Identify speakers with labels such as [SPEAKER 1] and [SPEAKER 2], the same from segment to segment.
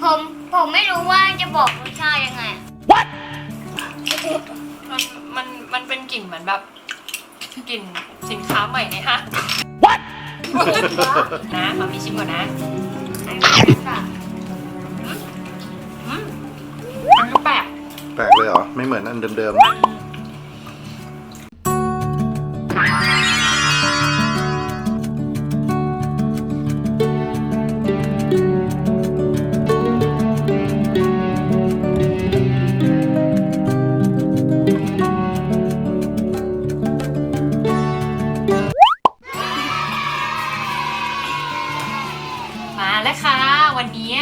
[SPEAKER 1] ผมผมไม่รู้ว่าจะบอกรสชาติยังไง
[SPEAKER 2] มันเป็นกลิ่นเหมือนแบบกลิ่นสินค้าใหม่ในห้าง นะมามีชิมก่อนนะมันก็แปลก
[SPEAKER 3] แปลกเลยเหรอ ไม่เหมือนอันเดิม
[SPEAKER 2] มาแล้วค่ะวันนี้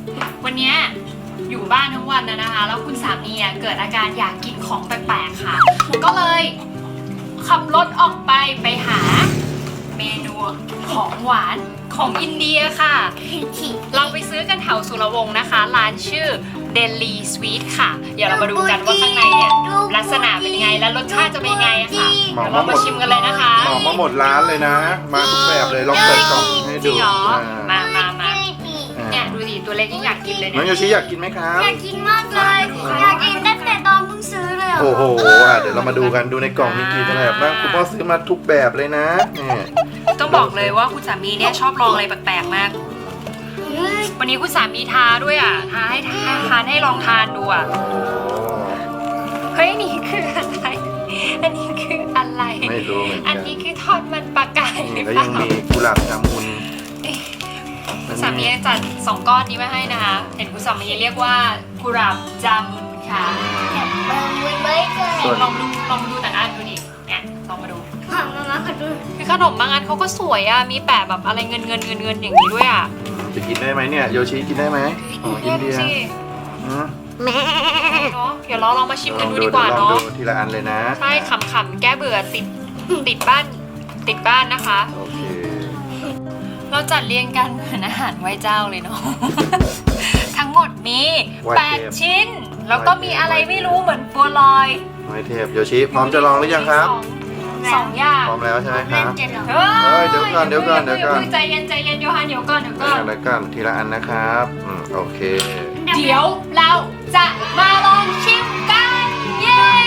[SPEAKER 2] อยู่บ้านทั้งวันนะคะ แล้วคุณสามีเกิดอาการอยากกินของแปลกๆค่ะ ก็เลยขับรถออกไปหาเมนูของหวานของอินเดียค่ะ เราไปซื้อกันแถวสุรวงศ์นะคะ ร้านชื่อ Delhi Sweet ค่ะ เดี๋ยวเรามาดูกันว่าข้างในเนี่ยลักษณะเป็นยังไงและรสชาติจะเป็นยังไงอะค่ะ
[SPEAKER 3] ๆหมอ
[SPEAKER 2] เดี๋ยว
[SPEAKER 3] มา
[SPEAKER 2] เรา
[SPEAKER 3] หม
[SPEAKER 2] มา
[SPEAKER 3] ด
[SPEAKER 2] ชิมกันเลยนะคะ
[SPEAKER 3] หมอมาหมดร้านเลยนะ มาทุกแบบเลยลองเปิดกล่องให้
[SPEAKER 2] จริ
[SPEAKER 3] ดู
[SPEAKER 2] งเหรอ
[SPEAKER 3] อ่า
[SPEAKER 2] มาเนี่ยดูดิตัวเล็กยังอยากกินเลย
[SPEAKER 3] น้อง
[SPEAKER 2] เนี่ย
[SPEAKER 3] โยชิอยากกินไหมครับ
[SPEAKER 1] อยากกินมากเลยอยากกินตั้งแต่ตอนเพิ่งซื้อเลย
[SPEAKER 3] โอ้โหเดี๋ยวเรามาดูกันดูในกล่องมีกี่แบบบ้างคุณพ่อซื้อมาทุกแบบเลยนะนี่
[SPEAKER 2] ต้องบอกเลยว่าคุณสามีเนี่ยชอบลองอะไรแปลกๆมาก วันนี้คุณสามีทาด้วยอ่ะทาให้ทานให้ลองทานดูอ่ะ
[SPEAKER 3] โอ้
[SPEAKER 2] เฮ้ยนี่คืออะไร อันนี้คืออะไร
[SPEAKER 3] ไม่รู้เหมือน
[SPEAKER 2] อั
[SPEAKER 3] กัน น
[SPEAKER 2] นี้คือทอดมันปลากายหรือ
[SPEAKER 3] แล้ว
[SPEAKER 2] เป
[SPEAKER 3] ยั
[SPEAKER 2] ล่าง
[SPEAKER 3] มีกุหลาบจามุน
[SPEAKER 2] คุณสามีจัด2 ก้อนนี้มาให้นะคะ เห็นคุณสามีเรียกว่ากุหลาบจามุนค่ะ
[SPEAKER 1] มันไม่เคย
[SPEAKER 2] ลองดูแต่ละอันดูดิเนี่ยลองมาดู
[SPEAKER 1] มาขอดู
[SPEAKER 2] คือขนมบางอันเขาก็สวยอ่ะ มีแปะแบบอะไรเงินอย่างนี้ด้วยอ่ะ
[SPEAKER 3] จะกินได้ไหมเนี่ยโยชิกินได้ไหมอ๋ออินเดีย
[SPEAKER 2] ดูสิ
[SPEAKER 3] อืม
[SPEAKER 1] แม่
[SPEAKER 2] เนาะเดี๋ยวเราลองมาชิม
[SPEAKER 3] ล
[SPEAKER 2] กั
[SPEAKER 3] อน ง
[SPEAKER 2] ดู
[SPEAKER 3] ดู
[SPEAKER 2] ดีกว่า
[SPEAKER 3] ลอง
[SPEAKER 2] เนาะ
[SPEAKER 3] ดูทีละอันเลยนะ
[SPEAKER 2] ใช่ขำๆแก้เบื่อติดบ้านนะคะ
[SPEAKER 3] โอเค
[SPEAKER 2] เราจัดเรียงกันเหมือนอาหารไหว้เจ้าเลยเนาะ ทั้งหมดมี8 ชิ้น แล้วก็มีอะไรไม่รู้เหมือนบัวลอย
[SPEAKER 3] ไม้เทพโยชิพร้อมจะลองหรือยังครับ
[SPEAKER 2] สองอย่าง
[SPEAKER 3] พร้อมแล้วใช่ไหมค
[SPEAKER 1] เล่
[SPEAKER 3] รั
[SPEAKER 1] น
[SPEAKER 3] บ
[SPEAKER 1] เจ็ดหรอ
[SPEAKER 2] เฮ้
[SPEAKER 3] เดี๋ยวก่อน
[SPEAKER 2] ใจเย็นโยฮันเดี๋ยวก่อน
[SPEAKER 3] แล้วกันทีละอันนะครับโอเค
[SPEAKER 2] เดี๋ยวเราจะมาลองชิมกัน เย้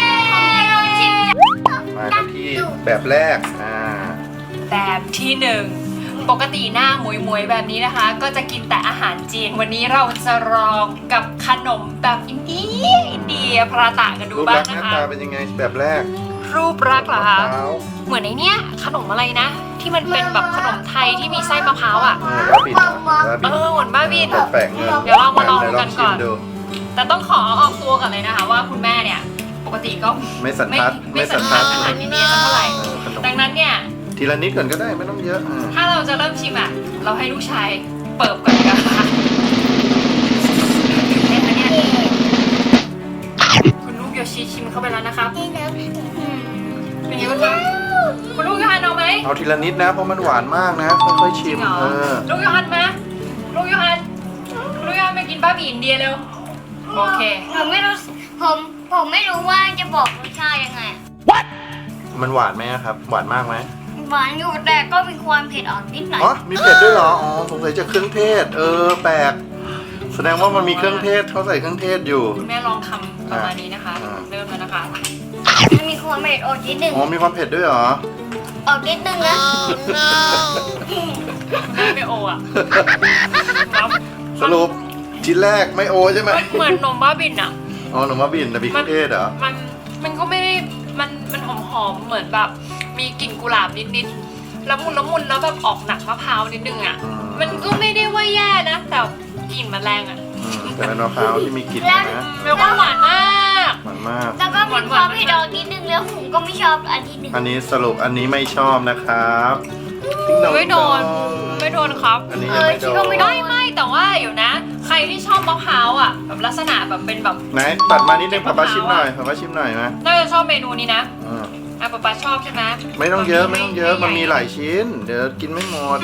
[SPEAKER 3] มากันที่แบบแรก
[SPEAKER 2] แบบที่ 1 ปกติหน้าหมวยๆแบบนี้นะคะ ก็จะกินแต่อาหารจีน วันนี้เราจะลองกับขนมแบบอินเดียพราตะกันดู
[SPEAKER 3] รูป
[SPEAKER 2] บ้า
[SPEAKER 3] ลั
[SPEAKER 2] ง
[SPEAKER 3] กษณ์ห
[SPEAKER 2] นะ
[SPEAKER 3] น้า
[SPEAKER 2] คะ
[SPEAKER 3] ตาเป็นยังไงแบบแรก
[SPEAKER 2] รูปลักษณ์เหรอคะ
[SPEAKER 3] มพร้าว
[SPEAKER 2] เหมือนไอ้เนี้ยขนมอะไรนะ ที่มันเป็นแบบขนมไทยที่มีไส้มะพร้าวอ่ะ
[SPEAKER 3] บ้าบินบ้าบิน
[SPEAKER 2] เหมือนบ้าบิน
[SPEAKER 3] แปลกๆเงิน
[SPEAKER 2] เดี๋ยวเรามาลอง
[SPEAKER 3] ไห
[SPEAKER 2] กันก่อน
[SPEAKER 3] ชิมดู
[SPEAKER 2] แต่ต้องขอออกตัวก่อนเลยนะคะ ว่าคุณแม่เนี่ยปกติก็
[SPEAKER 3] ไม่สันทัด
[SPEAKER 2] ไม่สันทัดอาหารอินเดียสักเท่าไหร่
[SPEAKER 3] ขนม
[SPEAKER 2] ดังนั้นเนี่ย
[SPEAKER 3] ทีละนิดก่อนก็ได้ไม่ต้องเยอะ
[SPEAKER 2] ถ้าเราจะเริ่มชิมอ่ะ เราให้ลูกชายเปิบก่อนดีกว่าค่ะเห็นไหมเนี่ยคุณลูกโยชิชิมเข้าไปแล้วนะครับ
[SPEAKER 1] นี่นะ
[SPEAKER 2] เป็นยังไงบ้างคะคุณลูกโยฮันเอาไหม
[SPEAKER 3] เอาทีละนิดนะเพราะมันหวานมากนะค่อยๆชิม
[SPEAKER 2] จริงเหรอลูกโยฮันมาลูกโยฮันมากินบ้าบีอินเดียเร็วโอเค
[SPEAKER 1] ผมไม่รู้ผมไม่รู้ว่าจะบอกรสชาติยังไง
[SPEAKER 3] มันหวานไหมครับหวานมากไหม
[SPEAKER 1] หวานอยู่แต่ก็มีความเผ็ดอ่อนนิดหน่อย
[SPEAKER 3] อ๋อมีเผ็ดด้วยเหรออ๋อสงสัยจะเครื่องเทศแปลกแสดงว่ามันมีเครื่องเทศเขาใส่เครื่องเทศอยู่
[SPEAKER 2] คุณแม่ลองทำประมาณนี้นะคะ เริ่มแล้วนะคะ
[SPEAKER 1] มันมีความเผ็ดอ่อนนิดนึง
[SPEAKER 3] อ๋อมีความเผ็ดด้วยเหรอ
[SPEAKER 1] ออกนิดนึงนะ
[SPEAKER 2] แม่ไม่โออ่ะแล้ว
[SPEAKER 3] สรุปชิ้นแรกไม่โอใช่ไหม
[SPEAKER 2] มันเหมือนนมบ้าบินอ่ะ
[SPEAKER 3] อ๋อหนูมาบินแต่มีเครื่องเทศเหรอ
[SPEAKER 2] มันก็ไม่ได้มันหอมเหมือนแบบมีกลิ่นกุหลาบนิดละมุนแล้วแบบออกหนักมะพร้าวนิดนึงอ่ะ มันก็ไม่ได้ว่าแย่นะแต่กลิ่นมันแรงอ่ะ
[SPEAKER 3] แต่เป็นมะพร้าวที่มีกลิ่นนะ
[SPEAKER 2] แล้วก็หวานมาก
[SPEAKER 3] หวานมาก
[SPEAKER 1] แล้วก็มีความเผ็ดอ่อนนิดนึงแล้วผมก็ไม่ชอบอันที่หนึ่ง
[SPEAKER 3] อันนี้สรุปอันนี้ไม่ชอบนะครับติ๊งดอง
[SPEAKER 2] ไม่โดนครับ
[SPEAKER 3] อันนี้ยังไม่โดน
[SPEAKER 2] ไม่แต่ว่าอยู่นะ ใครที่ชอบมะพร้าวอ่ะแบบลักษณะแบบเป็นแบบ
[SPEAKER 3] ไหนตัดมานิดนึงป้าชิมหน่อยป้าชิมหน่อยนะ
[SPEAKER 2] น่าจะชอบเมนูนี้นะ
[SPEAKER 3] อืม
[SPEAKER 2] ป๊าชอบใช่ไหม
[SPEAKER 3] ไม่ต้องเยอะมันมีหลายชิ้น เดี๋ยวกินไม่หมด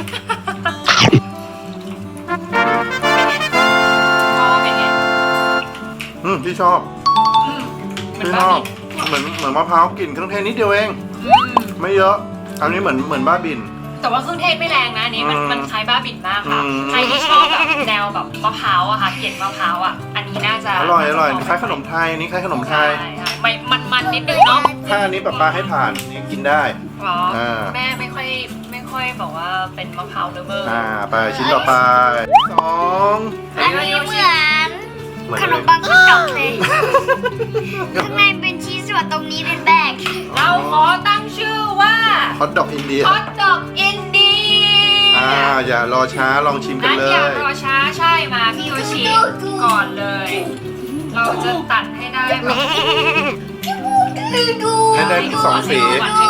[SPEAKER 2] ชอบเป็นไง
[SPEAKER 3] ที่ชอบ
[SPEAKER 2] เหมือน
[SPEAKER 3] ที่ช
[SPEAKER 2] บ้า
[SPEAKER 3] อบ
[SPEAKER 2] บิน
[SPEAKER 3] เหมือนมะพร้าวกลิ่นเครื่องเทศนิดเดียวเอง ไม่เยอะ อันนี้เหมือนบ้าบิน
[SPEAKER 2] แต่ว่าเครื่องเทศไม่แรงนะอันนี้มัน
[SPEAKER 3] อืม
[SPEAKER 2] มันคล้ายบ้าบิ่นมากค่ะ
[SPEAKER 3] อืม
[SPEAKER 2] ใครที่ชอบแบบแนวแบบมะพร้าวอะค่ะเกล็ดมะพร้าวอะอันนี้น่าจะ
[SPEAKER 3] อร่อย
[SPEAKER 2] น่าจะ
[SPEAKER 3] คล้ายขนมไทยอันนี้คล้ายขนมไทย
[SPEAKER 2] ใช่ไม่มันนิดนึงเนาะ
[SPEAKER 3] ถ้าอันนี้ป๊าให้ผ่านนี่กินได้
[SPEAKER 2] หรอ
[SPEAKER 3] อ่า
[SPEAKER 2] แม่ไม่ค่อยบอกว่าเป็นมะพร้าวเลเวอร์
[SPEAKER 3] ไปชิ้นต่อไปสอง
[SPEAKER 1] อันนี้เหมือน
[SPEAKER 3] เหมือน
[SPEAKER 1] ขนมปังข้าวดอกเลย ข้างในเป็นชีสส่วนตรงนี้เป็นแบก
[SPEAKER 2] เราขอตั้งชื่อว่า
[SPEAKER 3] ฮอทดอกอินเดีย
[SPEAKER 2] ฮอตดอกอินเดีย
[SPEAKER 3] อย่ารอช้าลองชิมกัน
[SPEAKER 2] งั้น
[SPEAKER 3] เล
[SPEAKER 2] อย่าย รอช้าใช่มาพี่โยชิก่อนเลย เราจะตัดให้ได้แบบ
[SPEAKER 3] ให้ได้สองสี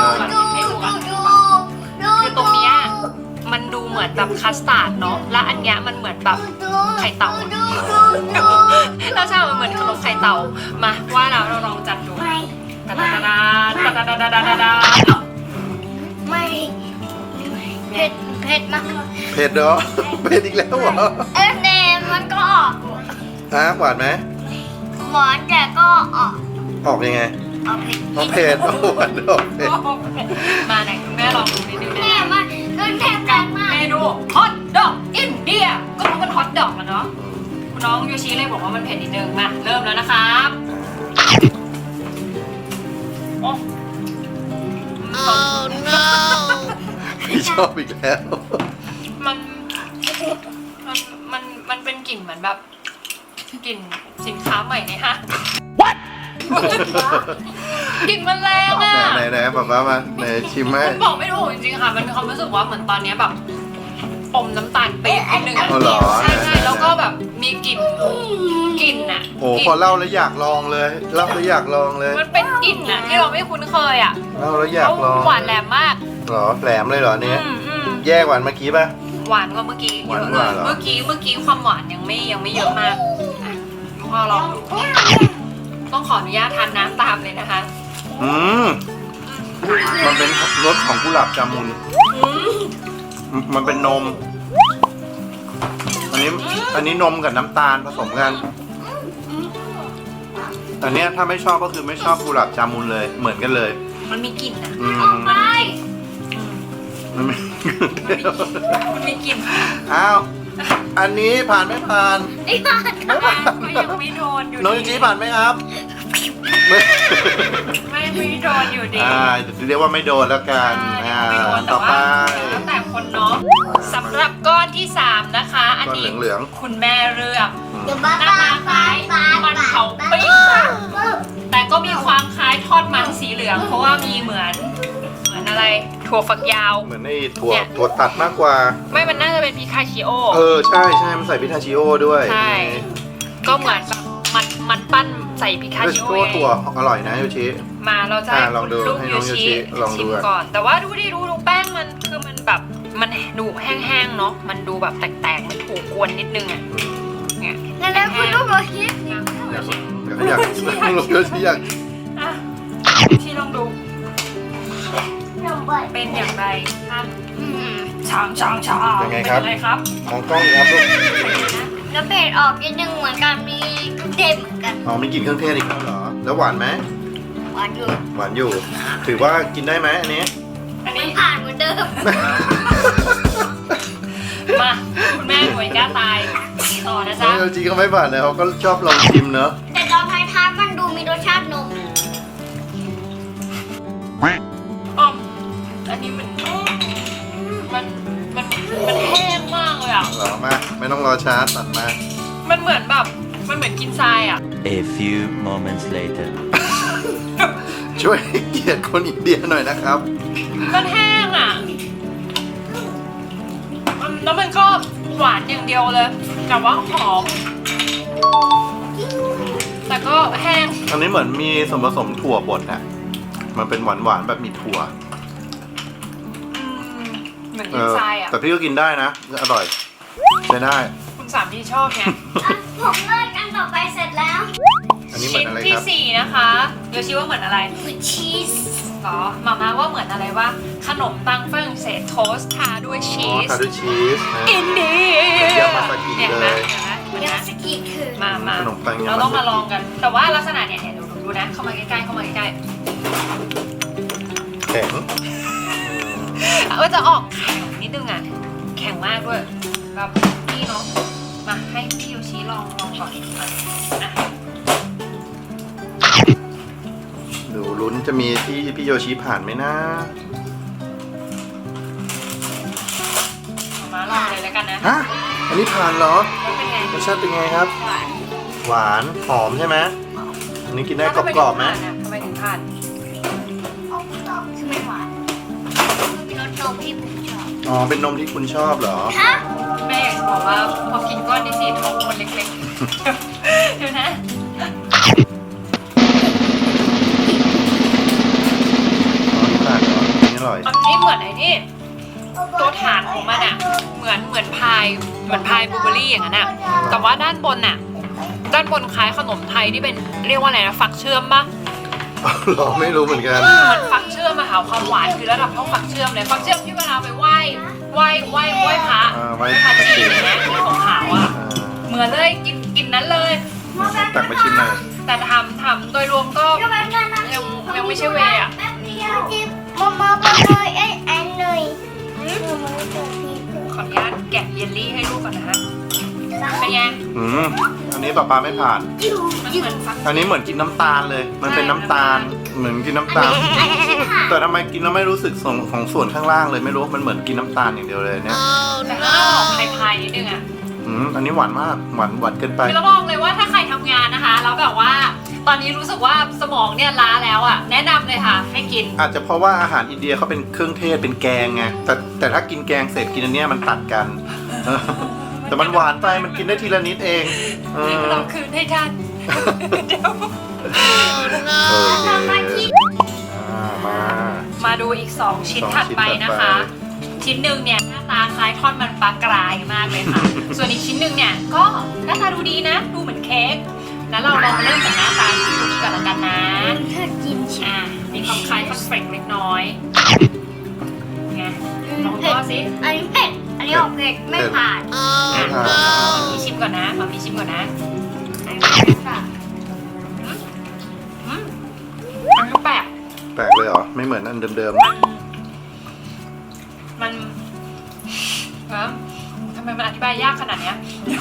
[SPEAKER 2] คือตรงเนี้ยมันดูเหมือนแบบคัสตาร์ดเนาะและอันเนี้ยมันเหมือนแบบไข่เต่าแล้วใช่มันเหมือนขนมไข่เต่ามาว่าแล้วเราลองจัดดูตาดาดาตาดาดาดาดาดา
[SPEAKER 1] ไม่เผ็ดเผ็ดมาก
[SPEAKER 3] เผ็ดเหรอ เผ็ดอีกแล้วเหรอ
[SPEAKER 1] เนมมันก็ออก
[SPEAKER 3] หวานไหม
[SPEAKER 1] หวานแต่ก็ออก
[SPEAKER 3] ออกยังไง
[SPEAKER 1] ออกเผ็ด
[SPEAKER 3] เผ็ดหวานออกเผ็ด
[SPEAKER 2] มาไหนคุณแม่ลองดูนิดนึง
[SPEAKER 1] แม่มันก็แทบกันมาก
[SPEAKER 2] เมนูฮอตดอกอินเดียก็เพราะมันฮอตดอกอะเนาะคุณน้องโยชิเลยบอกว่ามันเผ็ดนิดนึงมาเริ่มแล้วนะครับโอ้
[SPEAKER 3] พี่ชอบอีกแล้ว
[SPEAKER 2] มันมันเป็นกลิ่นเหมือนแบบกลิ่นสินค้าใหม่เนี่ยฮะ กลิ่นมันแรงอ่ะ
[SPEAKER 3] ไหนป๊ามาไหนชิมไหม
[SPEAKER 2] มันบอกไม่ถูกจริงๆค่ะมันมีความรู้สึกว่าเหมือนตอนเนี้ยแบบอมน้ำตาลปี๊บนิดนึงอะ
[SPEAKER 3] อ๋อเหรอ
[SPEAKER 2] ใช่แล้วก็แบบมีกลิ่นอ่ะ
[SPEAKER 3] โอ้พอเล่าแล้วอยากลองเลยเล่าแล้วอยากลองเลย
[SPEAKER 2] มันเป็นกลิ่นอ่ะที่เราไม่คุ้นเคยอ่ะ
[SPEAKER 3] เล่าแล้วอยากลอง
[SPEAKER 2] หวานแหลมมาก
[SPEAKER 3] เหรอแหลมเลยเหรอเนี้ย
[SPEAKER 2] อืม
[SPEAKER 3] แย่กว่าเมื่อกี้ป่ะ
[SPEAKER 2] หวานกว่าเมื่อกี้
[SPEAKER 3] หวาน
[SPEAKER 2] เยอะ
[SPEAKER 3] ก
[SPEAKER 2] เล
[SPEAKER 3] ว่าย เหรอ
[SPEAKER 2] เมื่อกี้ความหวานยังไม่เยอะมากอ่ะพอลองดูต้องขออนุญาตทานน้ำตามเลยนะคะ
[SPEAKER 3] อืมมันเป็นรสของกุหลาบจามุน มันเป็นนม อันนี้นมกับน้ำตาลผสมกัน อันเนี้ยถ้าไม่ชอบก็คือไม่ชอบกุหลาบจามุนเลย เหมือนกันเลย
[SPEAKER 2] มันมีกลิ่นอ่ะ
[SPEAKER 3] อืม
[SPEAKER 1] ไป
[SPEAKER 3] มันไม่
[SPEAKER 2] มันมีกลิ่น
[SPEAKER 3] อ้าว อันนี้ผ่านไม่ผ่าน
[SPEAKER 1] ไอ้บ้าน
[SPEAKER 2] ก็ยังไม่โดนอยู่
[SPEAKER 3] น้องยู
[SPEAKER 2] ดี
[SPEAKER 3] จีผ่านไหมครับไม่
[SPEAKER 2] ไม่โดนอยู่ดี
[SPEAKER 3] เรียกว่าไม่โดนแล้วกัน
[SPEAKER 2] ไม่โดนแต่
[SPEAKER 3] ต่อไป
[SPEAKER 2] ว่าแล้วแต่คนเนาะสำหรับก้อนที่ 3 นะคะ อันนี้
[SPEAKER 3] ก้อนเหลืองๆ
[SPEAKER 2] คุณแม่เลือก
[SPEAKER 1] เดี๋ยวบ้า
[SPEAKER 2] หน้าตาคล้ายมันเผาปิ้งแต่ก็มีความคล้ายทอดมันสีเหลือง เพราะว่ามีเหมือนอะไรถั่วฝักยาว
[SPEAKER 3] เหมือนไอ้ถั่วตัดมากกว่า
[SPEAKER 2] ไม่มันน่าจะเป็นพิคาชิโอ
[SPEAKER 3] ใช่มันใส่พิทาชิโอด้วย
[SPEAKER 2] ใช่ ก็เหมือนแบบมันปั้นใส่พิคา
[SPEAKER 3] พิทา
[SPEAKER 2] ชิ
[SPEAKER 3] ชิ
[SPEAKER 2] โอ
[SPEAKER 3] โอ
[SPEAKER 2] เอง
[SPEAKER 3] ถั่วอร่อยนะโยชิ
[SPEAKER 2] มาเราจะให้
[SPEAKER 3] ลองดู
[SPEAKER 2] ลูก
[SPEAKER 3] ให้
[SPEAKER 2] โย
[SPEAKER 3] น้องโยชิ
[SPEAKER 2] ชิ
[SPEAKER 3] ลองดู
[SPEAKER 2] ชิม
[SPEAKER 3] อ่ะ
[SPEAKER 2] ก่อน แต่ว่าดูแป้งมันคือมันแบบมันดูแห้งๆเนาะมันดูแบบแตกๆมันถูกกวนนิดนึงอ่ะเนี่ย
[SPEAKER 1] แล้วคุณลูกโรฮิต
[SPEAKER 3] อยากโยชิอยาก
[SPEAKER 2] อ่ะที่ลองดู
[SPEAKER 1] นมเปิด
[SPEAKER 2] เป็นอย่างไรครับช้าง
[SPEAKER 3] ยังไง
[SPEAKER 2] เป็น
[SPEAKER 3] ครับ
[SPEAKER 2] ยังไงครับ
[SPEAKER 3] มองกล้องครับลูก
[SPEAKER 1] แล้วเผ็ดออกนิดนึงเหมือนกันมีกระเทียมเหมือนกัน
[SPEAKER 3] มีกลิ่นเครื่องเทศอีกแล้วเหรอ แล้วหวานไหม
[SPEAKER 1] หวานอยู่
[SPEAKER 3] หวานอยู่ ถือว่ากินได้ไหมอันนี้
[SPEAKER 2] อัน
[SPEAKER 1] มั
[SPEAKER 2] นี้
[SPEAKER 1] นผ่านเหมือนเดิม
[SPEAKER 2] มาคุณแม่หน่วยกล้าตายต่อนะจ๊ะ
[SPEAKER 3] โยชิก็ไม่ผ่านเลยเขาก็ชอบลองชิมเนอะ
[SPEAKER 1] แต่ตอนท้ายๆมันดูมีรสชาตินม
[SPEAKER 2] อ้อมอันนี้มันแห้งมากเลยอ่ะ
[SPEAKER 3] เหรอมาไม่ต้องรอช้าตัดมา
[SPEAKER 2] มันเหมือนแบบมันเหมือนกินทรายอ่ะ
[SPEAKER 4] A few moments later.
[SPEAKER 3] ช่วยให้เกียรติคนอินเดียหน่อยนะครับ
[SPEAKER 2] มันแห้งอ่ะแล้วมันก็หวานอย่างเดียวเลย แต่ว่าหอม แต่ก็แห้ง
[SPEAKER 3] อันนี้เหมือนมีส่วนผสมถั่วบดอะมันเป็นหวานๆแบบมีถั่ว
[SPEAKER 2] เหมือนกินทรายอ่ะ
[SPEAKER 3] แต่พี่ก็กินได้นะ อร่อย ใช้ได้
[SPEAKER 2] คุณสามที่ชอบไง
[SPEAKER 1] ผมเลิกกันต่อไปเสร็จแล้ว
[SPEAKER 3] อันนี้เหมือ
[SPEAKER 2] ชิ้
[SPEAKER 3] น
[SPEAKER 2] น
[SPEAKER 3] อะไร
[SPEAKER 2] ที่
[SPEAKER 3] ครับ
[SPEAKER 2] 4 นะคะโยชิว่าเหมือนอะไร
[SPEAKER 1] คือชีส
[SPEAKER 2] หรอมาม่าว่าเหมือนอะไรวะขนมปังฝรั่งเศสโทสต์ทาด้วยชีส
[SPEAKER 3] ทาด้วยชีสนะ
[SPEAKER 2] อินเดีย
[SPEAKER 3] ยามาซากิ
[SPEAKER 2] เนี่ย
[SPEAKER 3] เลย
[SPEAKER 2] เห็นไหม
[SPEAKER 1] ยาสกิคือ
[SPEAKER 2] มา
[SPEAKER 3] ขนมปังยามาซากิ
[SPEAKER 2] เราต้องมาลองกัน แต่ว่าลักษณะเนี่ยดูนะเข้ามาใกล้ๆ
[SPEAKER 3] แข็ง
[SPEAKER 2] ก็จะออกแข็งนิดนึงอ่ะแข็งมากด้วยแบบนี่เนาะมาให้พี่โยชิลองก่อนอ่ะ
[SPEAKER 3] ดูลุ้นจะมีที่พี่โยชิผ่านไหมนะ
[SPEAKER 2] มาลองเลยแล้วกันนะ
[SPEAKER 3] ฮะอันนี้ผ่านเหรอ
[SPEAKER 2] เป็นไง
[SPEAKER 3] รสชาติเป็นไงครับ
[SPEAKER 1] หวาน
[SPEAKER 3] หวานหอมใช่ไหมอันนี้กินได้กรอบๆไหม
[SPEAKER 2] ทำไมถึงผ่าน
[SPEAKER 1] คือไม่หวานคือรสนมที่ผมชอบ
[SPEAKER 3] อ๋อเป็นนมที่คุณชอบเหรอ
[SPEAKER 1] ฮะ
[SPEAKER 2] แม่อยากจะบอกว่าพอกินก้อนนี้สิท้องคนเล็กๆเดี๋ยวนะ
[SPEAKER 3] อ๋อนี่ผ่านเหรออันนี่อร่อย
[SPEAKER 2] อันนี้เหมือนไอ้นี่ตัวฐานของมันอ่ะเหมือนพายบลูเบอร์รี่อย่างนั้นอ่ะแต่ว่าด้านบนอ่ะด้านบนคล้ายขนมไทยที่เป็นเรียกว่าอะไรนะฟักเชื่อมปะ
[SPEAKER 3] เหรอไม่รู้เหมือนกัน
[SPEAKER 2] เหมือนฟักเชื่อมมาหาความหวานคือระดับเท่าฟักเชื่อมเลยฟักเชื่อมที่เวลาไปไหว้พระ
[SPEAKER 3] ไว้
[SPEAKER 2] พระ
[SPEAKER 3] ตะ
[SPEAKER 2] จี
[SPEAKER 3] กี้
[SPEAKER 2] นอย่างเงี้ยที่ของขาวอ่ะเหมือนเลยกินนั้นเลย
[SPEAKER 3] ตักมาชิมหน่อย
[SPEAKER 2] แต่ทำโดยรวมก็ยังไม่ใช่เวย์อ่ะ
[SPEAKER 1] แป๊บเดียวมาเลยไอ้แอนเลยมาเจอพี่
[SPEAKER 2] ขออนุญาตแกะเยลลี่ให้ลูกก่อนนะฮะเป็นไง
[SPEAKER 3] อันนี้ป๊าไม่ผ่าน
[SPEAKER 2] มันเหมือนฟัก
[SPEAKER 3] อันนี้เหมือนกินน้ำตาลเลย มันเป็นน้ำตาล เหมือนกินน้ำตาล แต่ทำไมกินแล้วไม่รู้สึกของส่วนข้างล่างเลยไม่รู้ มันเหมือนกินน้ำตาลอย่างเดียวเลยเนี่ย
[SPEAKER 2] แต่ก็ออกพายๆนิดนึงอ่ะ
[SPEAKER 3] อันนี้หวานมาก หวานเกินไป
[SPEAKER 2] คือเราบอกเลยว่าถ้าใครทำงานนะคะแล้วแบบว่าตอนนี้รู้สึกว่าสมองเนี่ยล้าแล้วอ่ะแนะนำเลยค่ะให้กิน
[SPEAKER 3] อาจจะเพราะว่าอาหารอินเดียเขาเป็นเครื่องเทศเป็นแกงไง แต่ถ้ากินแกงเสร็จกินอันเนี้ยมันตัดกัน แต่มันหวานไป มันกินได้ทีละนิดเองเออ
[SPEAKER 2] เราคืนให้ท่านเดี๋ยว
[SPEAKER 1] ทำมาที่
[SPEAKER 3] มา
[SPEAKER 2] มาดูอีก 2 ชิ้น
[SPEAKER 3] สอง
[SPEAKER 2] ถัดไป
[SPEAKER 3] ชิ้นถัดไป
[SPEAKER 2] นะคะ ชิ้นหนึ่งเนี่ยหน้าตาคล้ายทอดมันปลากรายมากเลยค่ะ ส่วนอีกชิ้นหนึ่งเนี่ยก็หน้าตาดูดีนะ ดูเหมือนเค้กแล้วเราลองมาเริ่มจากหน้าตาชิ้นนี้ก่อนละกันนะ
[SPEAKER 1] เธอกินชิม
[SPEAKER 2] มีความคล้ายคอนเฟรกเล็กน้อยไงลองดูสิ
[SPEAKER 1] อันนี้เผ็ดอันนี้ออกเผ็ดไม่ผ่าน
[SPEAKER 3] ไม่ผ่าน
[SPEAKER 2] มามีชิมก่อนนะมามีชิมก่อนนะ
[SPEAKER 1] อันนี้ไม่ผ่าน
[SPEAKER 2] มันก็แปลก
[SPEAKER 3] แปลกเลยเหรอ ไม่เหมือนอันเดิม
[SPEAKER 2] มันทำไมมันอธิบายยากขนาดเนี้ย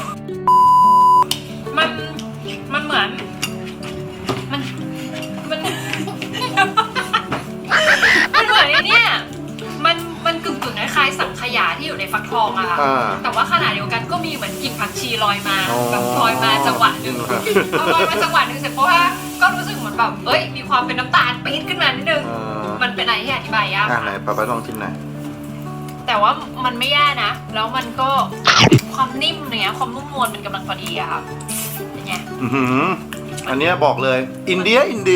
[SPEAKER 2] มันเหมือนมันมันเหมือนไอ้เนี่ยมันกึ่งคล้ายๆสังขยาที่อยู่ในฟักทองอะค่ะ แต่ว่าขณะเดียวกันก็มีเหมือนกลิ่นผักชีลอยมาแบบลอยมาจังหวะหนึ่งพอลอยมาจังหวะหนึ่งเสร็จเพราะว่าก็รู้สึกเหมือนแบบเอ้ยมีความเป็นน้ำตาลปี๊ดขึ้นมานิดนึง มันเป็นอะไรที่อธิบายยาก
[SPEAKER 3] ไหนป๊าลองชิมหน่อย
[SPEAKER 2] แต่ว่ามันไม่แย่นะ แล้วมันก็ความนิ่มเนี้ยความนุ่มนวลมันกำลังพอดีอะค่ะเป็นไง
[SPEAKER 3] อันเนี้ยบอกเลย อินเดีย
[SPEAKER 2] จริง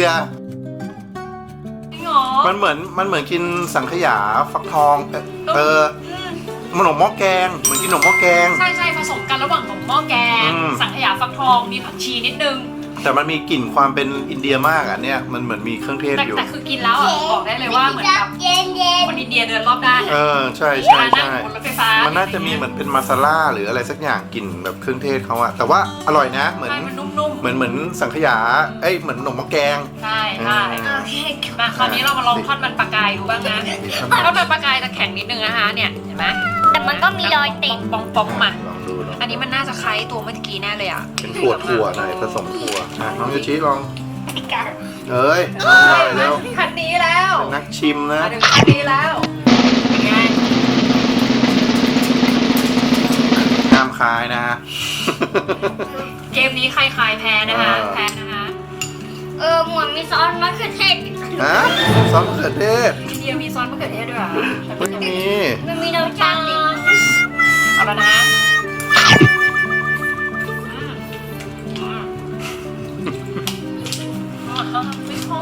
[SPEAKER 2] เหรอ
[SPEAKER 3] มันเหมือนกินสังขยาฟักทอง ขนมหม้อแกง เหมือนกินขนมหม้อแกง
[SPEAKER 2] ใช่ผสมกันระหว่างของหม้อแกง สังขยาฟักทองมีผักชีนิดนึง
[SPEAKER 3] แต่มันมีกลิ่นความเป็นอินเดียมากอ่ะเนี่ยมันเหมือนมีเครื่องเทศอยู่
[SPEAKER 2] แต่คือกินแล้วอะบอกได้เลยว่าเหมือนแบบ
[SPEAKER 1] เย็นเย็น
[SPEAKER 2] คนอินเดียเดินรอบด้าน
[SPEAKER 3] ใช่
[SPEAKER 2] มานั่งบนรถไฟฟ้า
[SPEAKER 3] มั
[SPEAKER 2] มัน
[SPEAKER 3] น่าจะมีเหมือนเป็นมาซาล่าหรืออะไรสักอย่างกลิ่นแบบเครื่องเทศเขาอะแต่ว่าอร่อยนะ เหมือน
[SPEAKER 2] มันนุ่มๆ
[SPEAKER 3] เหมือนสังขยาเหมือนขนมหม้อแกง
[SPEAKER 2] ใช่
[SPEAKER 1] โอเค
[SPEAKER 2] มาคราวนี้เรามาลองทอดมันปลากายดูบ้างนะทอดมันปลากายจะแข็งนิดนึงนะคะเนี่ยเห็นไหม
[SPEAKER 1] แต่มันก็มีรอยติด
[SPEAKER 2] ปองๆมา
[SPEAKER 3] ลองดูเนาะ
[SPEAKER 2] อันนี้มันน่าจะคล้ายตัวเมื่อกี้แน่เลยอ่ะ
[SPEAKER 3] เป็นถั่วหน่อยผสมถั่วน้องโยชิลอง
[SPEAKER 1] ติดกัน
[SPEAKER 3] เอ้ยอร่อยแล้ว
[SPEAKER 2] คันนี้แล้ว
[SPEAKER 3] เป็นนักชิมนะ
[SPEAKER 2] มาถึงคันนี้แล้วเป็นไง
[SPEAKER 3] ห้ามคายนะฮะ
[SPEAKER 2] เกมนี้ใครคลายแพ้นะคะ
[SPEAKER 3] เออ
[SPEAKER 2] แพ้นะคะ
[SPEAKER 1] หมวดมีซอสมะเขือเทศ
[SPEAKER 3] ฮะซอสมะเขือเทศ
[SPEAKER 2] อินเดียมีซอสมะเขือเทศด้วยเหรอ
[SPEAKER 3] ไม่มี
[SPEAKER 1] มันมีรสชาติติด
[SPEAKER 2] เอาแล้วนะไม่ชอบ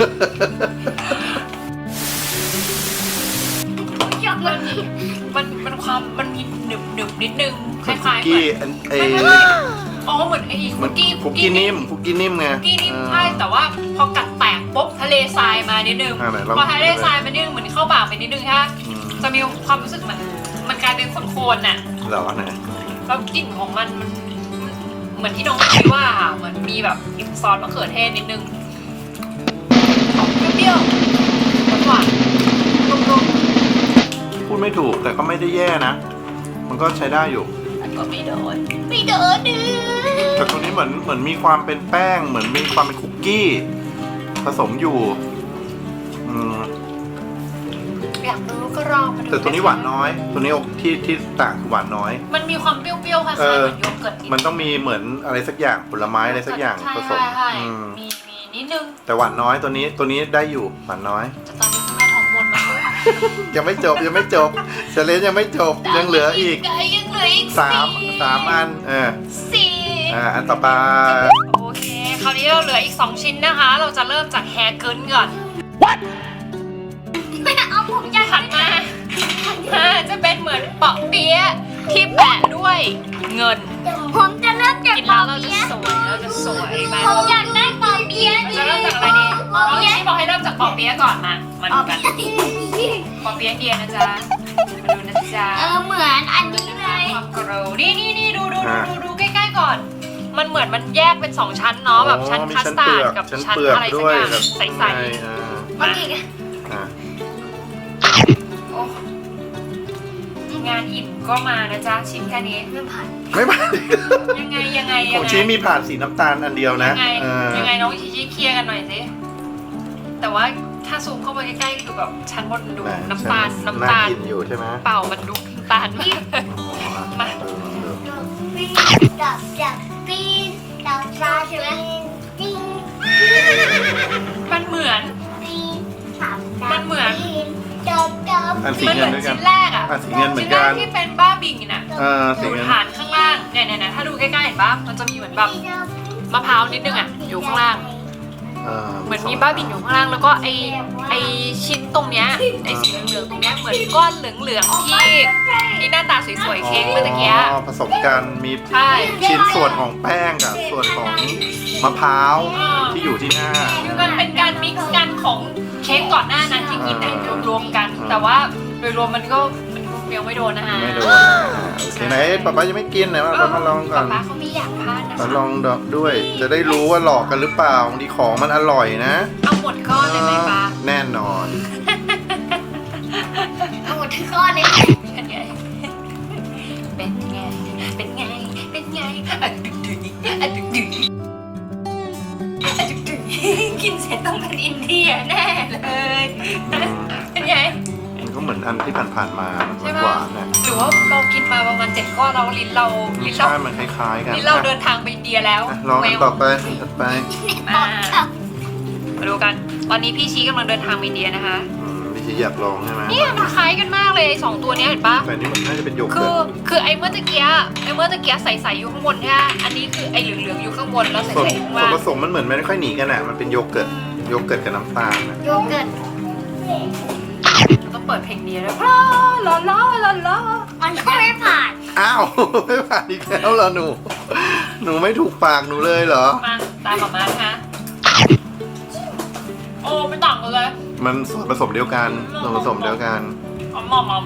[SPEAKER 1] ชอบมันนี่
[SPEAKER 2] มันความมันมีหนึบนิดนึงค
[SPEAKER 3] คุก
[SPEAKER 2] ล้ายๆเหมื
[SPEAKER 3] กี้
[SPEAKER 2] อน อ๋อเหมือนไอ้
[SPEAKER 3] เหมื
[SPEAKER 2] คุ
[SPEAKER 3] อน
[SPEAKER 2] กกี้
[SPEAKER 3] คุกกี้นิ่มคุกกี้นิ่มไง
[SPEAKER 2] คุกกี้นิ่มใช่แต่ว่าพอกัดแตกปุ๊บทะเลทรายมานิดนึง
[SPEAKER 3] ไหนลอง
[SPEAKER 2] พอทะเลทรายมานิดนึงเหมือนเข้าปากไปนิดนึงค่ะ
[SPEAKER 3] อืม
[SPEAKER 2] จะมีความรู้สึกเหมือนมันกลายเป็นโคนๆน่ะ
[SPEAKER 3] เหรอไหน
[SPEAKER 2] แล้วกลิ่นของมันเหมือนที่น้องคิดว่าค่ะเหมือนมีแบบกลิ่นซอสมะเขือเทศนิดนึงออกเปรี้ยวๆหวานๆนุ่ม
[SPEAKER 3] ไม่ถูกแต่ก็ไม่ได้แย่นะ มันก็ใช้ได้อยู่
[SPEAKER 2] ก็ไม่โดน
[SPEAKER 1] ไม่โดนดื้อ
[SPEAKER 3] แต่ตัวนี้เหมือนมีความเป็นแป้ง เหมือนมีความเป็นคุกกี้ ผสมอยู่อืม
[SPEAKER 2] อยากรู้ก็ลองมาดู
[SPEAKER 3] แต่ตัวนี้หวานน้อย ตัวนี้ที่ต่างคือหวานน้อย
[SPEAKER 2] มันมีความเปรี้ยวๆคล้ายๆเหมือนโยเกิร์ตนิด
[SPEAKER 3] มันต้องมีเหมือนอะไรสักอย่างผลไม้อะไรสักอย่างผสม
[SPEAKER 2] ใช่
[SPEAKER 3] อืม
[SPEAKER 2] มีนิดนึง
[SPEAKER 3] แต่หวานน้อยตัวนี้ได้อยู่หวานน้อย
[SPEAKER 2] แต่ตอนนี้คุณแม่ท้องบนมากเลย
[SPEAKER 3] ยังไม่จบเชลเลนยังไม่จบยังเหลืออีก
[SPEAKER 2] ยังเหลืออีก
[SPEAKER 3] สามอัน
[SPEAKER 2] สี่
[SPEAKER 3] อันต่อไป
[SPEAKER 2] โอเค คราวนี้เราเหลืออีก 2 ชิ้นนะคะ เราจะเริ่มจากแฮร์เกินก่อน
[SPEAKER 1] เอาผมอยาก
[SPEAKER 2] ถัดมาจะเป็นเหมือนเปาะเปี๊ยะที่แปะด้วยเงิน
[SPEAKER 1] ผมจะเริ่มจาก
[SPEAKER 2] กิน
[SPEAKER 1] ปอ
[SPEAKER 2] แล้วเราจะ
[SPEAKER 1] เปี๊ยะ
[SPEAKER 2] สวยมาก
[SPEAKER 1] ผมอยากได้ปอเปี๊ยะ
[SPEAKER 2] เราจะเริ่มจากอะไรดีน้องอีบอกให้เริ่มจากเปาะเปี๊ยะก่อนมาดูกันเปาะเปี๊ยะเดียนะจ๊ะมาดูนะจ๊ะ
[SPEAKER 1] เหมือนอันนี้เลย
[SPEAKER 2] ความกรูนี่ดูใกล้ๆก่อน มันเหมือนมันแยกเป็น 2 ชั้นเนาะแบบชั้น
[SPEAKER 3] มี
[SPEAKER 2] คัส
[SPEAKER 3] ชั้น
[SPEAKER 2] ตา
[SPEAKER 3] เปลื
[SPEAKER 2] ร์ด
[SPEAKER 3] อก
[SPEAKER 2] กับ
[SPEAKER 3] ชั้น
[SPEAKER 2] ชั้น
[SPEAKER 3] เปลือก
[SPEAKER 2] อะไรสัก
[SPEAKER 3] ด้วย
[SPEAKER 2] อย่าง
[SPEAKER 3] แบบ
[SPEAKER 2] ใส
[SPEAKER 3] ใช่
[SPEAKER 2] ๆ
[SPEAKER 1] โอเค
[SPEAKER 3] อ่า
[SPEAKER 2] โอ้งานอิ่มก็มานะจ๊ะชิ้นแค่นี้
[SPEAKER 1] เริ่มผ่าน
[SPEAKER 3] ไม่ผ่าน
[SPEAKER 2] ยังไง
[SPEAKER 3] ของชี้มีผ่านสีน้ำตาลอันเดียวนะ
[SPEAKER 2] ยังไงน้องชี้เคลียร์กันหน่อยสิแต่ว่าถ้าซูมเข้าไปใกล้ๆคือแบบชั้นบนดูน้ำตาล
[SPEAKER 3] น่ากินอยู่ใช่ไหม
[SPEAKER 2] เปล่ามันดูน้ำตาลมากมา
[SPEAKER 1] ปีดับจากปีดับซาใช่ไหมจริง
[SPEAKER 2] มันเหมือน
[SPEAKER 1] ปีสาม
[SPEAKER 2] มันเหมือน
[SPEAKER 1] ดับ
[SPEAKER 3] อันสี
[SPEAKER 2] มันเห
[SPEAKER 3] เงิ
[SPEAKER 2] มือน น
[SPEAKER 3] ด้วยกัน
[SPEAKER 2] ชิ้นแรกอ่ะ
[SPEAKER 3] อันสีเงินเหมือน
[SPEAKER 2] ชิ้นแร
[SPEAKER 3] กั
[SPEAKER 2] ก
[SPEAKER 3] น
[SPEAKER 2] ที่เป็นบ้าบิงน่ะ
[SPEAKER 3] สี
[SPEAKER 2] อยู่
[SPEAKER 3] เงิน
[SPEAKER 2] ฐานข้างล่างเนี่ยถ้าดูใกล้ๆเห็นปะมันจะมีเหมือนแบบมะพร้าวนิดนึงอ่ะอยู่ข้างล่าง เหมือนมีบ้าบินอยู่ข้างล่างแล้วก็ไอชิ้นตรงเนี้ยไอสีเหลืองๆตรงเนี้ยเหมือนก้อนเหลืองๆที่หน้าตาสวยๆเค้กเมื่อตะกี้
[SPEAKER 3] ผสมกันมี
[SPEAKER 2] ใช่
[SPEAKER 3] ชิ้นส่วนของแป้งกับส่วนของมะพร้าวที่อยู่ที่หน้า
[SPEAKER 2] คือมันเป็นการมิกซ์กันของเค้กก่อนหน้านั้นที่กินเนี่ยรวมๆกัน แต่ว่าโดยรวมมันยังไม่โดนนะคะ
[SPEAKER 3] ไม่โดนโอเคไหนป๊าป๊ายังไม่กินไหนมาลองก่อน
[SPEAKER 2] ป๊าเขาไม่อยากพลาดนะ
[SPEAKER 3] มา
[SPEAKER 2] คะ
[SPEAKER 3] ลองด้วย จะได้รู้ว่าหลอกกันหรือเปล่าบางทีของมันอร่อยนะ
[SPEAKER 2] เอาหมดก้อนเลยไหมป๊า
[SPEAKER 3] แน่นอน
[SPEAKER 1] เอาหมดทั้งก้อนเลย
[SPEAKER 2] เป็นไงอะดึกดึกกินเสร็จต้องเป็นอินเดียแน่เลยเป็นไง
[SPEAKER 3] มันก็เหมือนอันที่ผ่านๆมา
[SPEAKER 2] ใช่
[SPEAKER 3] ห
[SPEAKER 2] ปะ
[SPEAKER 3] วานๆนะ
[SPEAKER 2] หรือว่าเรากินมาประมาณ7 ก้อนเราลิ้นเรา
[SPEAKER 3] ใช่มันคล้ายๆกัน
[SPEAKER 2] ลิ้นเราเดินทางไปอินเดียแล้ว
[SPEAKER 3] ลองกันต่อไปถัดไป
[SPEAKER 2] มาดูกัน ตอนนี้พี่ชี้กำลังเดินทางไปอินเดียนะคะ
[SPEAKER 3] พี่ชีอยากลองใช่ไหม
[SPEAKER 2] เนี่ยมันคล้ายกันมากเลยสองตัวเนี้ยเห็นปะ
[SPEAKER 3] แต่นี่มันน่าจะเป็นโย
[SPEAKER 2] คื
[SPEAKER 3] เกิ
[SPEAKER 2] อ
[SPEAKER 3] ร์ต
[SPEAKER 2] คือไอ้เมื่อตะเกียใสๆอยู่ข้างบนใช่ไหมอันนี้คือไอ้เหลืองๆอยู่ข้างบนแล้วใส
[SPEAKER 3] ส่วน
[SPEAKER 2] ๆข้าง
[SPEAKER 3] ส่วน
[SPEAKER 2] ล่าง
[SPEAKER 3] ผสมมันเหมือนไม่ค่อยหนีกันอ่ะมันเป็นโยเกิร์ตกับน้ำตาลนะ
[SPEAKER 1] โยเกิร์ต
[SPEAKER 2] ต้องเปิดเพลงเดียด้วยลาลา
[SPEAKER 1] มันก็ไม่ผ่าน
[SPEAKER 3] อ้าว ไม่ผ่านอีกแล้วเหรอหนูไม่ถูกปากหนูเลยเหรอ
[SPEAKER 2] มาตามมานะคะโอ้ไม่ต่างกันเลย
[SPEAKER 3] มันส่วนผสมเดียวกันส่วนผสมเดียวกัน
[SPEAKER 2] ก็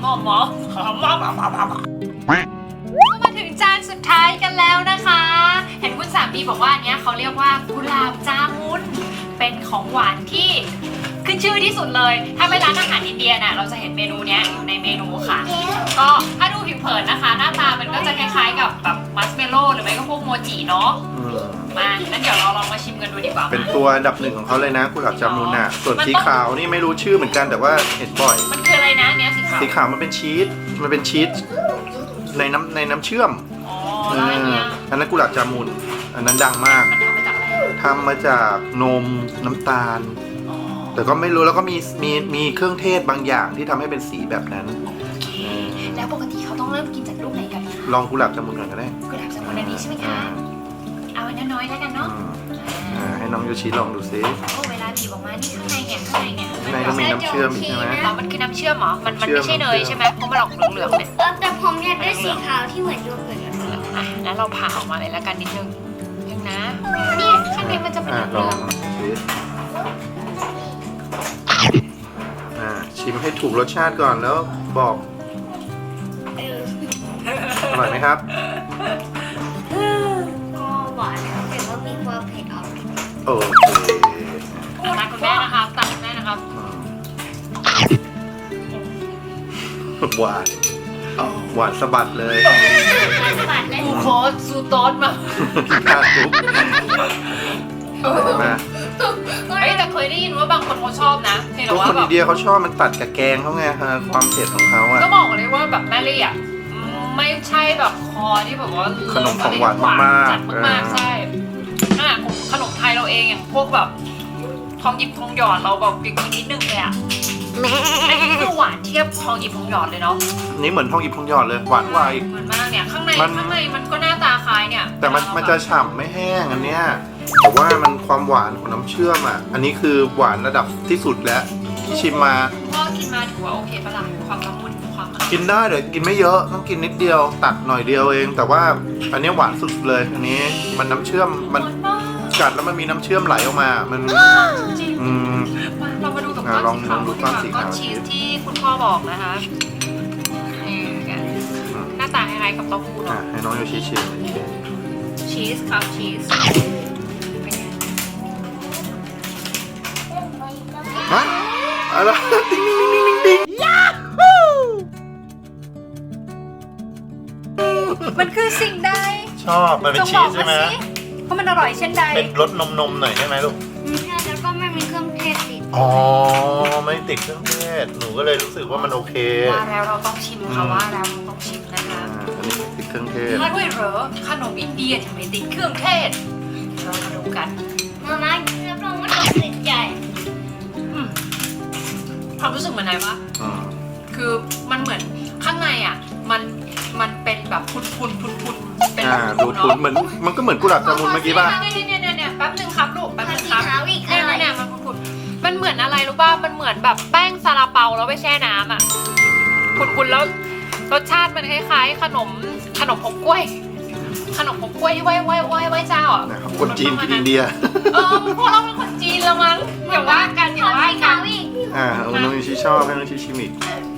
[SPEAKER 2] มาถึงจานสุดท้ายกันแล้วนะคะ เห็นคุณสามีบอกว่าอันเนี้ยเขาเรียกว่ากุหลาบจามุนเป็นของหวานที่ขึ้นชื่อที่สุดเลย ถ้าไปร้านอาหารอินเดียน่ะเราจะเห็นเมนูเนี้ยอยู่ในเมนูค่ะ ก็ถ้าดูผิวเผินนะคะ หน้าตามันก็จะคล้ายๆกับแบบมัสเมลโล่หรือไม่ก็พวกโมจิเนาะ มางั้นเดี๋ยวเราลองมาชิมกันดูดีกว่า
[SPEAKER 3] เป็นตัวอันดับหนึ่งของเขาเลยนะกุหลาบจามุนอ่ะส่วนสีขาวนี่ไม่รู้ชื่อเหมือนกันแต่ว่าเห็นบ่อย
[SPEAKER 2] มันคืออะไรนะเนี้ยสีขาว
[SPEAKER 3] สีขาวมันเป็นชีสในน้ำเชื่อม
[SPEAKER 2] อ๋อแล้วอันเนี้ย
[SPEAKER 3] อันนั้นกุหลาบจามุนอันนั้นดังมาก
[SPEAKER 2] มันทำมาจากอะไร
[SPEAKER 3] ทำมาจากนมน้ำตาล
[SPEAKER 2] อ๋อ
[SPEAKER 3] แต่ก็ไม่รู้แล้วก็มีเครื่องเทศบางอย่างที่ทำให้เป็นสีแบบนั้น
[SPEAKER 2] แล้วปกติเขาต้องเริ่มกินจากลูกไหนกันคะ
[SPEAKER 3] ลองกุหลาบจามุนก่อนก็ได้
[SPEAKER 2] กุหลาบจามุนอันนี้ใช่ไหมคะ เอาอันน้อยๆแล้วกันเนาะ
[SPEAKER 3] ให้น้องโยชิลองดูซิ
[SPEAKER 2] โอ้เวลาบีบออกมานี่ข้างในเนี่ยข้างในเนี่ย
[SPEAKER 3] ข้างในก็มีน้ำเชื่อมอีกใช่ไหม
[SPEAKER 2] อ๋อมันคือน้ำเชื่อมเหรอ มันไม่ใช่เนยใช่ไหมเพราะมันออกเหลืองๆเนี่ย
[SPEAKER 1] แต่ผมอยากได้สีขาวที่เหมือนโยเกิร์ต
[SPEAKER 2] อ่ะงั้นเราผ่าออกมาเลยแล้วกันนิดนึงนะเนี่ยข้างในมันจะเป็น
[SPEAKER 3] ล
[SPEAKER 2] เหลื
[SPEAKER 3] อ
[SPEAKER 2] อง ง
[SPEAKER 3] ซิชิมให้ถูกรสชาติก่อนแล้วบอกอร่อยไหมครับ
[SPEAKER 1] ก็หวานครับแต่ว่ามีความเผ็ดออก
[SPEAKER 3] โอเค
[SPEAKER 2] ตามคุณแม่นะครับตามคุณแม่นะครับ
[SPEAKER 3] หวาน หวานสะบัดเลย
[SPEAKER 1] สะบัดเลย
[SPEAKER 2] กูโคสซูโตสมา
[SPEAKER 3] ทานทุกมา
[SPEAKER 2] เฮ้ยแต่เคยได้ยินว่าบางคนเขาชอบนะเพียงแต่
[SPEAKER 3] ทุก
[SPEAKER 2] ว่า
[SPEAKER 3] คน
[SPEAKER 2] แบ
[SPEAKER 3] อิ
[SPEAKER 2] บ
[SPEAKER 3] นเดียเขาชอบมันตัดกับแกงเขาไงความเผ็ดของเขาอ่ะ
[SPEAKER 2] ก็บอกเลยว่าแบบแม่ลี่อ่ะไม่ใช่แบบคอที่แบบว่า
[SPEAKER 3] ขนมของหวานมากๆ
[SPEAKER 2] จัดมากๆใช่ขนมไทยเราเองอย่างพวกแบบทองหยิบทองหยอดเราแบบกินนิดนึงเลยอ่ะอันนี้คือหวานเทียบทองหยิบทองหยอดเลยเนาะ
[SPEAKER 3] นี่เหมือนทองหยิบทองหยอดเลยหวานกว่าอีก
[SPEAKER 2] เหมือนมากเนี่ยข้างใน
[SPEAKER 3] มัน
[SPEAKER 2] มันก็หน้าตาคล้ายเนี่ย
[SPEAKER 3] แต่มันจะฉ่ำไม่แห้งอันเนี้ยแต่ว่ามันความหวานของน้ำเชื่อมอ่ะอันนี้คือหวานระดับที่สุดแล้วที่ชิมมา
[SPEAKER 2] พ่อกินมาถือว่าโอเคปะล่ะความละมุนความอะไร
[SPEAKER 3] กินได้เดี๋ยวกินไม่เยอะต้องกินนิดเดียวตัดหน่อยเดียวเอง แต่ว่าอันนี้หวานสุดเลยอันนี้มันน้ำเชื่อมมันกัดแล้วมันมีน้ำเชื่อมไหลออกมามัน
[SPEAKER 2] จริง
[SPEAKER 3] อืม
[SPEAKER 2] มาเรามาดูกับก้อน
[SPEAKER 3] ลอง
[SPEAKER 2] สีขาว
[SPEAKER 3] ดูก้อนสีขาว
[SPEAKER 2] ก้อนชีสที่คุณพ่อบอกนะคะนี่กันหน้าตาคล้ายๆกับเต้าหู้
[SPEAKER 3] อ่ะ
[SPEAKER 2] เนาะ
[SPEAKER 3] ให้น้องโยชิชิม
[SPEAKER 2] ชีสครับชีสเป็นไง
[SPEAKER 3] ฮะอะไรติ๊งติ๊งติ๊งติ๊งติ๊ง
[SPEAKER 2] มันคือสิ่งใด
[SPEAKER 3] ชอบมันเป็นชีสใช่ไหม
[SPEAKER 2] เพราะมันอร่อยเช่นใด
[SPEAKER 3] เป็นรสนมหน่อยใช่ไหมลูก
[SPEAKER 1] ใช่แล้วก็ไม่มีเครื่องเทศติด
[SPEAKER 3] อ๋อไม่ติดเครื่องเทศหนูก็เลยรู้สึกว่ามันโอเค
[SPEAKER 2] ว่าแล้วเราต้องชิมค่ะว่าแล้วเราต้องชิมนะคะ
[SPEAKER 3] อันนี้ไม่ติดเครื่องเทศ
[SPEAKER 2] มาด้วยเหรอขนมอินเดียที่ไม่ติดเครื่องเทศเรามาดูกัน
[SPEAKER 1] มาม่ารับรองว่าต้องติดใจ
[SPEAKER 2] อืมความรู้สึกเหมือนไหนวะ
[SPEAKER 3] อืม
[SPEAKER 2] คือมันเหมือนข้างในอ่ะ มันเป็นแบบพุนเป็น
[SPEAKER 3] ดู
[SPEAKER 2] เนาะ
[SPEAKER 3] คุ้นเหมือนมันก็เหมือนกุหลาบจามุนเมื่อกี้ป่ะ
[SPEAKER 2] เนี่ยแป๊บนึงครับลูกแป๊บ
[SPEAKER 1] ผั
[SPEAKER 2] นึ
[SPEAKER 1] ด
[SPEAKER 2] ง
[SPEAKER 1] สี
[SPEAKER 2] ครับ
[SPEAKER 1] ขาวอีก
[SPEAKER 2] เนี่ย
[SPEAKER 1] อะไร
[SPEAKER 2] เนี่ยมันพุนมันเหมือนอะไรรู้ป่ะมันเหมือนแบบแป้งซาลาเปาแล้วไปแช่น้ำอ่ะพุนแล้วรสชาติมันคล้ายๆขนมผงกล้วย ขนมผงกล้วยที่ไหว้เจ้าอ่ะ
[SPEAKER 3] นะครับคนจีนกินอินเดีย
[SPEAKER 2] พวกเราเป็นคนจีนละมั้งอย่าว่ากันอย่า
[SPEAKER 1] ผัด
[SPEAKER 2] ว่า
[SPEAKER 1] สี
[SPEAKER 2] กั
[SPEAKER 1] ขาน วอีก
[SPEAKER 3] น้องโยชิชอบให้น้องโยชิชิมอีก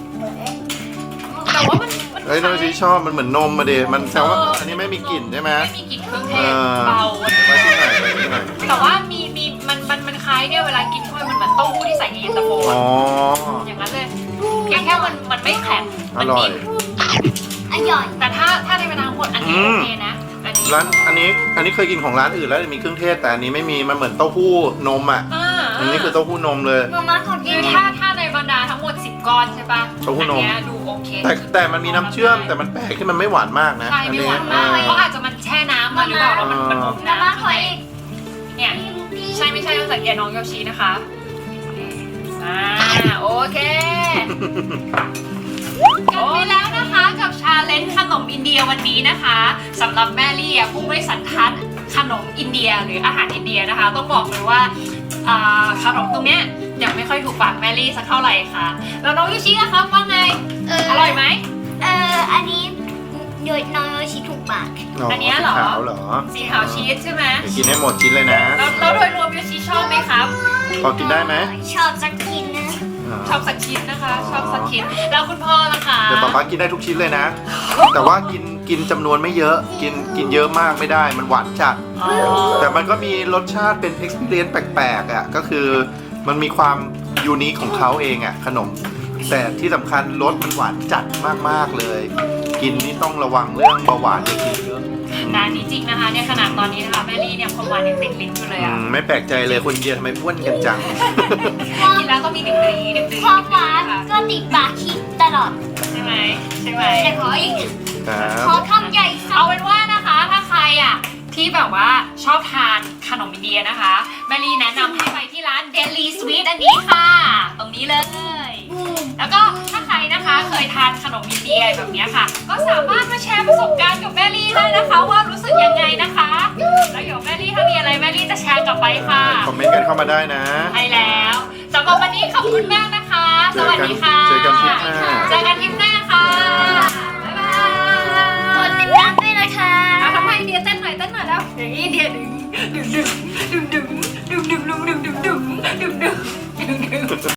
[SPEAKER 2] แต่ว่ามัน
[SPEAKER 3] เอ้ยน้องโยชิชอบมันเหมือนนมมาเดมันแซวว่าอันนี้ไม่มีกลิ่นใช่ไหม
[SPEAKER 2] ไม่มีกลิ่นเครื่องเท
[SPEAKER 3] เอ
[SPEAKER 2] ศ
[SPEAKER 3] อ
[SPEAKER 2] เบา
[SPEAKER 3] ไปที่ไหนไปที่ไหน
[SPEAKER 2] แต่ว่ามีมันคล้ายเนี่ยเวลากินเข้าไปมันเหมือนเต้าหู้ที่ใส่ในเย็นตาโฟ
[SPEAKER 3] อ๋อ
[SPEAKER 2] อย่างนั้นเลยเพียงแค่มันไม่แข็ง
[SPEAKER 3] อ
[SPEAKER 2] มัน
[SPEAKER 3] ร่อย
[SPEAKER 2] นิ่ม
[SPEAKER 1] อร่อย
[SPEAKER 2] แต่ถ้าในเวลาหมดอันนี้โอเคนะอันนี้
[SPEAKER 3] ร้านอันนี้เคยกินของร้านอื่นแล้วมีเครื่องเทศแต่อันนี้ไม่มีมันเหมือนเต้าหู้นมอ่ะอันนี้คือเต้าหู้นมเลย
[SPEAKER 1] มาม่าขอกิน
[SPEAKER 2] คือถ้าในบรรดาทั้งหมด10ก้อนใช่ปะ
[SPEAKER 3] เต้าหู้นม
[SPEAKER 2] อันเนี้ยดูโอเค
[SPEAKER 3] แต่มันมีน้ำเชื่อมแต่มันแปลกที่มันไม่หวานมากนะ
[SPEAKER 2] ใช่ไม่หวานมากเพราะอาจจะมันแช่น้ำมาหรือเปล่าแล้วมันอม
[SPEAKER 1] มาม่า
[SPEAKER 2] น้ำ
[SPEAKER 1] ขออีก
[SPEAKER 2] เนี่ยใช่ไม่ใช่ต้องสังเกตน้องโยชินะคะโอเคจบไปแล้วนะคะกับชาเลนจ์ขนมอินเดียวันนี้นะคะสำหรับแม่ลี่ผู้ไม่สันทัดขนมอินเดียหรืออาหารอินเดียนะคะ ต้องบอกเลยว่าขนมตรงเนี้ยยังไม่ค่อยถูกปากแม่ลี่สักเท่าไหร่ค่ะแล้วน้องโยชิอะครับว่าไงอร่อยไหม
[SPEAKER 1] อันนี้โดยน้องโยชิถูกปาก
[SPEAKER 2] อันเนี้ยเหรอ
[SPEAKER 3] ขาวเหรอ
[SPEAKER 2] สีขาวชีสใช่ไหม
[SPEAKER 3] ไปกินให้หมดชิ้นเลยนะ
[SPEAKER 2] แล้วโดยรวมโยชิชอบไหมครับ
[SPEAKER 3] พอกินได้ไหม
[SPEAKER 1] ชอบสักกินนะ
[SPEAKER 2] ชอบสักชิ้นนะคะ ชอบสักชิ้นแล้วคุณพ่อล่ะคะ
[SPEAKER 3] เดี๋ยวป๊าป๊ากินได้ทุกชิ้นเลยนะ แต่ว่ากินจำนวนไม่เยอะ กินเยอะมากไม่ได้ มันหวานจัด
[SPEAKER 2] อ๋อ
[SPEAKER 3] แต่มันก็มีรสชาติเป็น experience แปลกๆอ่ะ ก็คือมันมีความยูนิคของเขาเองอ่ะ ขนม แต่ที่สำคัญรสมันหวานจัดมากๆเลย กินนี่ต้องระวังเรื่องเบาหวานอย่ากินเยอะ
[SPEAKER 2] นะนี่จริงนะคะเนี่ยขนาดตอนนี้นะคะแม่ลี่เนี่ยความหวานยังติดลิ้นอยู่เลยอ่ะ
[SPEAKER 3] ไม่แปลกใจเลยคนอินเดียทำไมอ้วนกันจัง
[SPEAKER 2] กินแล้วต้องมีดึงดีดึงดี
[SPEAKER 1] ความหวานก็ติดปากคิดตลอด
[SPEAKER 2] ใช่ไหมใช่ไหม
[SPEAKER 1] แต่ขออีก
[SPEAKER 3] ครับ
[SPEAKER 1] ขอคำใหญ่สั
[SPEAKER 2] เอา
[SPEAKER 1] ก
[SPEAKER 2] เป็นว่านะคะถ้าใครอ่ะที่แบบว่าชอบทานขนมอินเดียนะคะแม่ลี่แนะนำให้ไปที่ร้าน Delhi Sweet อันนี้ค่ะ ตรงนี้เลย แล้วก็ถ้าใครนะคะเคยทานขนมอินเดียแบบนี้ค่ะ ก็สามารถมาแชร์ประสบการณ์กับแม่ลี่ได้นะคะ ว่ารู้สึกยังไงนะคะแล้วเดี๋ยวแม่ลี่ถ้ามีอะไรแม่ลี่จะแชร์กลับไปค่ะ
[SPEAKER 3] คอมเมนต์กันเข้ามาได้นะ
[SPEAKER 2] ใช่แล้วสำหรับวันนี้ขอบคุณมากนะคะ สวัสดีค่ะ
[SPEAKER 3] เจอกันทริปหน้า
[SPEAKER 2] เจอกันทริปหน้าค่ะบ๊ายบาย
[SPEAKER 1] กดติดตามด้วยนะคะ
[SPEAKER 2] เอาทำไมอินเดียเต้นหน่อยแล้วอย่างนี้อินเดียดึง